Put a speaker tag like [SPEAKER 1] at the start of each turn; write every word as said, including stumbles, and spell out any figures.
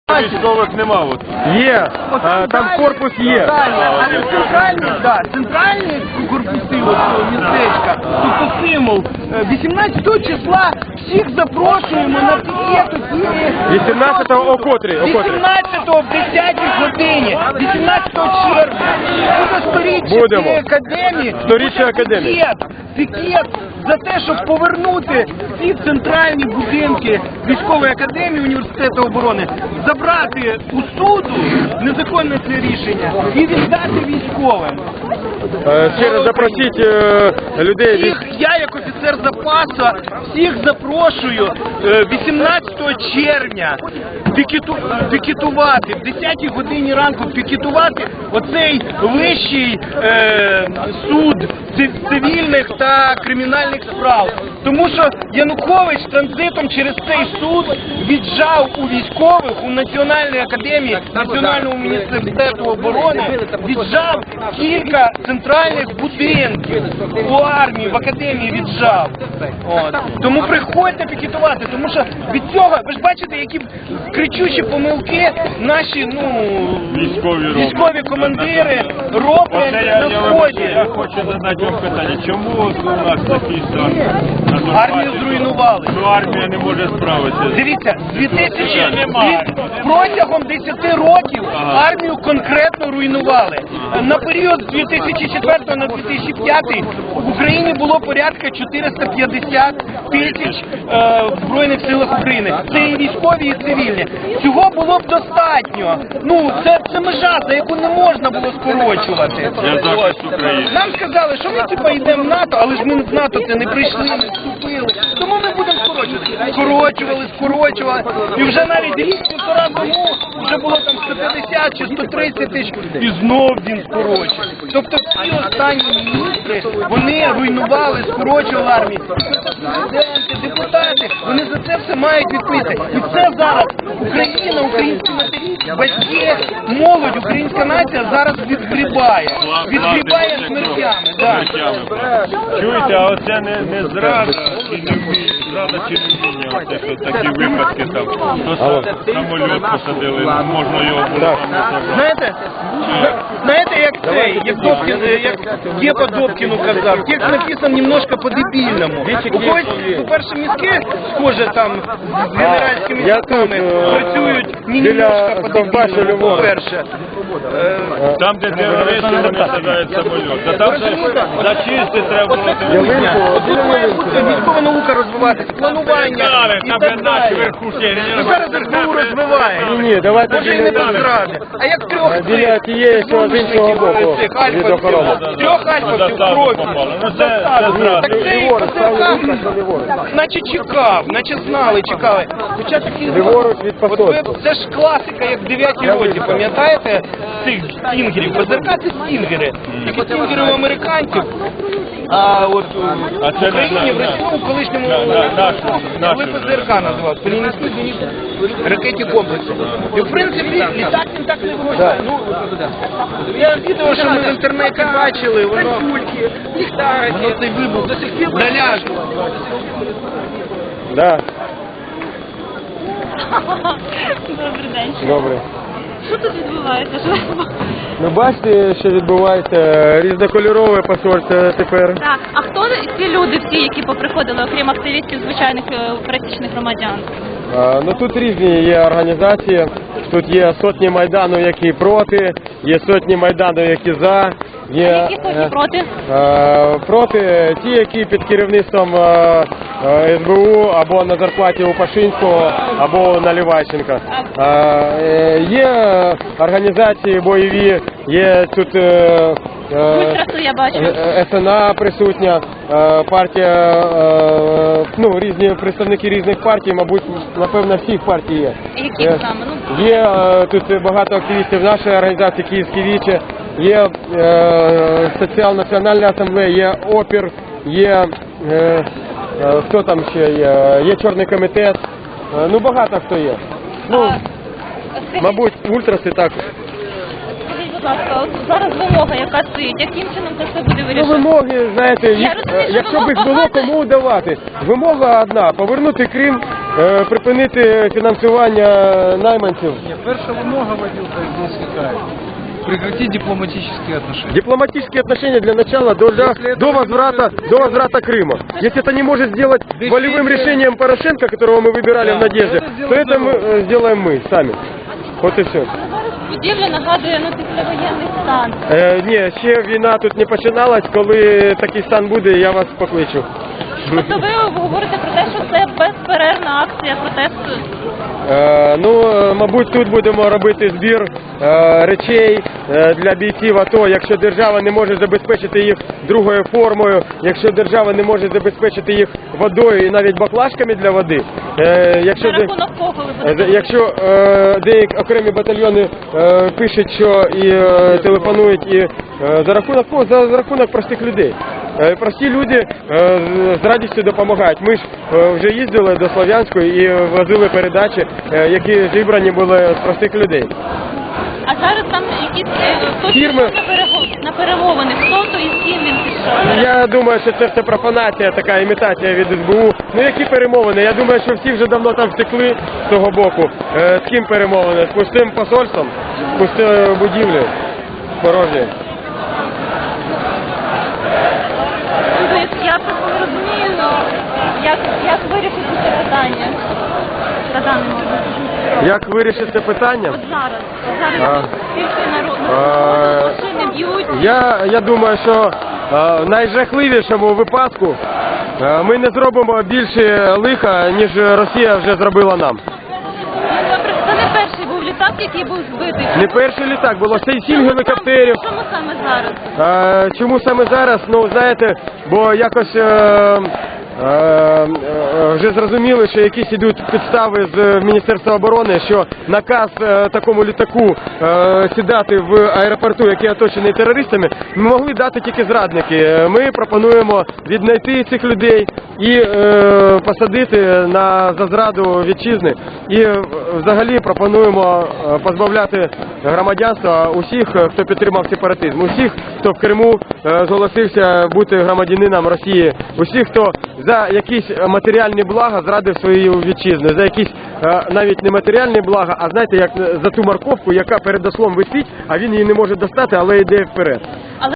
[SPEAKER 1] Військових нема от.
[SPEAKER 2] Є, а, там корпус є.
[SPEAKER 3] Але центральний, да, центральні корпуси от цього містечка, тобто символ, вісімнадцятого числа всіх запрошуємо на пікет.
[SPEAKER 2] вісімнадцятого о котрій? О котрій?
[SPEAKER 3] вісімнадцятого в десятій годині, вісімнадцятого червня. Буде сторіччя
[SPEAKER 2] Будемо.
[SPEAKER 3] цієї академії.
[SPEAKER 2] Сторіччя
[SPEAKER 3] Буде
[SPEAKER 2] академії.
[SPEAKER 3] Пікет, пікет за те, щоб повернути всі центральні будинки військової академії університету оборони, забрати у суду незаконне це рішення і віддати військовим.
[SPEAKER 2] Е, Ще раз запросіть е, людей. від-
[SPEAKER 3] Всіх, я як офіцер запасу, всіх запрошую е, вісімнадцятого червня пікету, пікетувати, в десятій годині ранку пікетувати оцей вищий е, суд цив- цивільних та кримінальних справ. Тому що Янукович транзитом через цей суд віджав у військових, у Національній академії, Національному міністерству оборони, віджав кілька центральних будинків у армії, в академії віджав. От. Тому приходьте пікетувати, тому що від цього, ви ж бачите, які кричущі помилки наші ну,
[SPEAKER 1] Військові роблять.
[SPEAKER 3] військові командири
[SPEAKER 1] Оце
[SPEAKER 3] роблять
[SPEAKER 1] я,
[SPEAKER 3] на
[SPEAKER 1] я, вибачте,
[SPEAKER 3] сході.
[SPEAKER 1] я хочу задати вам питання. Чому от у нас такий стан? На Донбасі?
[SPEAKER 3] Армію зруйнували.
[SPEAKER 1] Ну, армія не може справитися.
[SPEAKER 3] Дивіться, з дві тисячі
[SPEAKER 1] Немає.
[SPEAKER 3] протягом десяти років
[SPEAKER 1] Ага.
[SPEAKER 3] армію конкретно руйнували. На період з дві тисячі четвертого на дві тисячі п'ятий в Україні було порядка чотириста п'ятдесят тисяч е, в Збройних силах України. Це і військові, і цивільні. Цього було б достатньо. Ну, це, це межа, за яку не можна було скорочувати.
[SPEAKER 1] Для захисту України.
[SPEAKER 3] Нам сказали, що ми типа йдемо в НАТО, але ж ми з НАТО це не прийшли, не вступили. Тому ми будемо скорочувати. Скорочували, скорочували. І вже навіть рік-півтора тому вже було там сто п'ятдесят чи сто тридцять тисяч. І знов він скорочив. Тобто всі останні міністри, вони руйнували, скорочували армію. Президенти, депутати, вони за це все мають відповісти. І це зараз Україна, українські матері, батьки, молодь, українська нація зараз відгрібає. Відгрібає смертями. Да.
[SPEAKER 1] Чуєте, а оце не, не зрада і не вміння, зрада чи не вміння, оце що такі випадки там. То са- самоліт посадили, можна його було
[SPEAKER 2] Так.
[SPEAKER 1] там не забрати.
[SPEAKER 3] Знаєте, знаєте, як цей, як Добкін, як Гепа Добкіну казав, текст написан немножко по-дебільному. У когось, по-перше, мізки, схоже, там, з генеральськими
[SPEAKER 2] Я
[SPEAKER 3] мізками
[SPEAKER 2] тут, е,
[SPEAKER 3] працюють не
[SPEAKER 2] біля
[SPEAKER 3] немножко
[SPEAKER 2] Стовбача
[SPEAKER 3] по-дебільному,
[SPEAKER 2] Львова.
[SPEAKER 3] по-перше. Е,
[SPEAKER 1] Там, де терористи, вони садають самоліт. Та там же зачисти треба було.
[SPEAKER 2] Ялинку,
[SPEAKER 3] От тут має бути військова наука розвиватися, планування і
[SPEAKER 1] Там
[SPEAKER 3] так
[SPEAKER 1] де наші
[SPEAKER 3] далі.
[SPEAKER 1] верхушки.
[SPEAKER 3] Ну, зараз СБУ розвиває.
[SPEAKER 2] Ні, ні, давайте
[SPEAKER 3] Може і не без
[SPEAKER 2] біля,
[SPEAKER 3] зради. А як трьох
[SPEAKER 2] Е, біля тієї, що з іншого боку,
[SPEAKER 3] цих
[SPEAKER 2] від
[SPEAKER 3] альфа,
[SPEAKER 2] охорони.
[SPEAKER 3] трьох альфа в
[SPEAKER 1] Заставу
[SPEAKER 3] крові.
[SPEAKER 1] попало. Ну, це-
[SPEAKER 3] Заставу.
[SPEAKER 1] це зрада.
[SPEAKER 3] Так це і
[SPEAKER 2] Ліворуч,
[SPEAKER 3] ПЗРК,
[SPEAKER 2] правий рух, ліворуч.
[SPEAKER 3] наче чекав, наче знали, чекали. Хоча такі
[SPEAKER 2] Ліворуч від
[SPEAKER 3] От ви,
[SPEAKER 2] посольства.
[SPEAKER 3] це ж класика, як в дев'ятій роті, пам'ятаєте, цих стінгерів. ПЗРК це стінгери. Тільки стінгери у американців. А от
[SPEAKER 1] А
[SPEAKER 3] в
[SPEAKER 1] це
[SPEAKER 3] Україні,
[SPEAKER 1] на-
[SPEAKER 3] в Росії, ну, в колишньому
[SPEAKER 1] на- на- нашу- нашу
[SPEAKER 3] коли ПЗРК називав, Пелінський зенітний ракетні комплекси. І в принципі літак він так не вирушає. Ну, я відео, що ми в інтернеті бачили, воно, воно цей вибух наляж.
[SPEAKER 2] Да,
[SPEAKER 4] Добрий день.
[SPEAKER 2] добре.
[SPEAKER 4] Що тут відбувається? Що?
[SPEAKER 2] Ну бачите, що відбувається, різнокольорове посольство тепер.
[SPEAKER 4] Так, а хто ці люди всі, які поприходили, окрім активістів, звичайних е, пересічних громадян?
[SPEAKER 2] А, ну тут різні є організації, тут є сотні майдану, які проти, є сотні майдану, які за. Є,
[SPEAKER 4] Які сотні
[SPEAKER 2] е,
[SPEAKER 4] проти?
[SPEAKER 2] е, проти ті, які під керівництвом е, е, СБУ або на зарплаті у Пашинського, або у Наливайченка. Е, е, є організації бойові, є тут е, е,
[SPEAKER 4] Ультрасу я бачу.
[SPEAKER 2] Е, СНА присутня, е, партія, е, ну, різні представники різних партій, мабуть, напевно, всіх партій є.
[SPEAKER 4] Які
[SPEAKER 2] Е,
[SPEAKER 4] саме? Ну,
[SPEAKER 2] Є е, тут багато активістів нашої організації «Київські вічі», є е, Соціал-національна асамблея, є опір, є, е, е, хто там ще є, є Чорний комітет, е, ну багато хто є. Ну,
[SPEAKER 4] а, скажіть,
[SPEAKER 2] мабуть, ультраси також.
[SPEAKER 4] скажіть, будь ласка, от зараз вимога, яка стоїть, яким чином це все буде
[SPEAKER 2] Ну,
[SPEAKER 4] вирішено?
[SPEAKER 2] вимоги, знаєте, їх,
[SPEAKER 4] розумію, що
[SPEAKER 2] якщо б їх
[SPEAKER 4] вимог
[SPEAKER 2] було
[SPEAKER 4] багато.
[SPEAKER 2] кому давати. Вимога одна – повернути Крим е, припинити фінансування найманців.
[SPEAKER 5] Перша вимога, Водилка, здесь какая? Прекратить дипломатические отношения.
[SPEAKER 2] Дипломатические отношения для начала до, до, до возврата до возврата Крыма. Если это не может сделать волевым решением Порошенко, которого мы выбирали в Надежде, то это мы э, сделаем мы сами. Вот и все.
[SPEAKER 4] Будівля нагадує ну, післявоєнний стан.
[SPEAKER 2] Е, ні, ще війна тут не починалась. Коли такий стан буде, я вас покличу.
[SPEAKER 4] Тобто ви говорите про те, що це безперервна акція протесту?
[SPEAKER 2] Е, ну, е, мабуть, тут будемо робити збір е, речей е, для бійців АТО. Якщо держава не може забезпечити їх другою формою, якщо держава не може забезпечити їх водою і навіть баклажками для води, е, якщо,
[SPEAKER 4] За
[SPEAKER 2] де,
[SPEAKER 4] рахунок кого ви
[SPEAKER 2] е,
[SPEAKER 4] будете?
[SPEAKER 2] якщо е, деякі окремі батальйони е, пишуть, що і е, телефонують, і е, за рахунок кого? За, за рахунок простих людей. Е, Прості люди е, з радістю допомагають. Ми ж е, вже їздили до Слов'янської і возили передачі, е, які зібрані були з простих людей.
[SPEAKER 4] А зараз там якісь е, хтось
[SPEAKER 2] Фірми.
[SPEAKER 4] пішов на, перего- на перемовини. Хто то і з ким він пішов?
[SPEAKER 2] Я думаю, що це все профанація, така імітація від ес бе у. Ну які перемовини? Я думаю, що всі вже давно там втекли з того боку. Е, З ким перемовини? З пустим посольством, з пустою будівлею порожньою.
[SPEAKER 4] Тобто, я просто не розумію, ну, як, як вирішити це питання на даний момент.
[SPEAKER 2] Як вирішити це питання?
[SPEAKER 4] От зараз. От
[SPEAKER 2] А.
[SPEAKER 4] зараз тільки народ,
[SPEAKER 2] А.
[SPEAKER 4] машини б'ють.
[SPEAKER 2] Я, я думаю, що е, в найжахливішому випадку е, ми не зробимо більше лиха, ніж Росія вже зробила нам.
[SPEAKER 4] Ну, добре, це не перший був літак, який був збитий.
[SPEAKER 2] Не перший літак, було сім сім гелікоптерів.
[SPEAKER 4] Чому саме зараз?
[SPEAKER 2] Е, Чому саме зараз? Ну, знаєте, бо якось е, е, е, вже зрозуміли, що якісь ідуть підстави з Міністерства оборони, що наказ е, такому літаку е, сідати в аеропорту, який оточений терористами, могли дати тільки зрадники. Е, Ми пропонуємо віднайти цих людей і е, посадити на за зраду вітчизни. І е, взагалі пропонуємо е, позбавляти громадянства усіх, е, хто підтримав сепаратизм, усіх, хто в Криму е, зголосився бути громадянином Росії, усіх, хто за якісь матеріальні блага зрадив свою вітчизну, за якісь е, навіть не матеріальні блага, а знаєте, як за ту морковку, яка перед ослом висить, а він її не може достати, але йде вперед.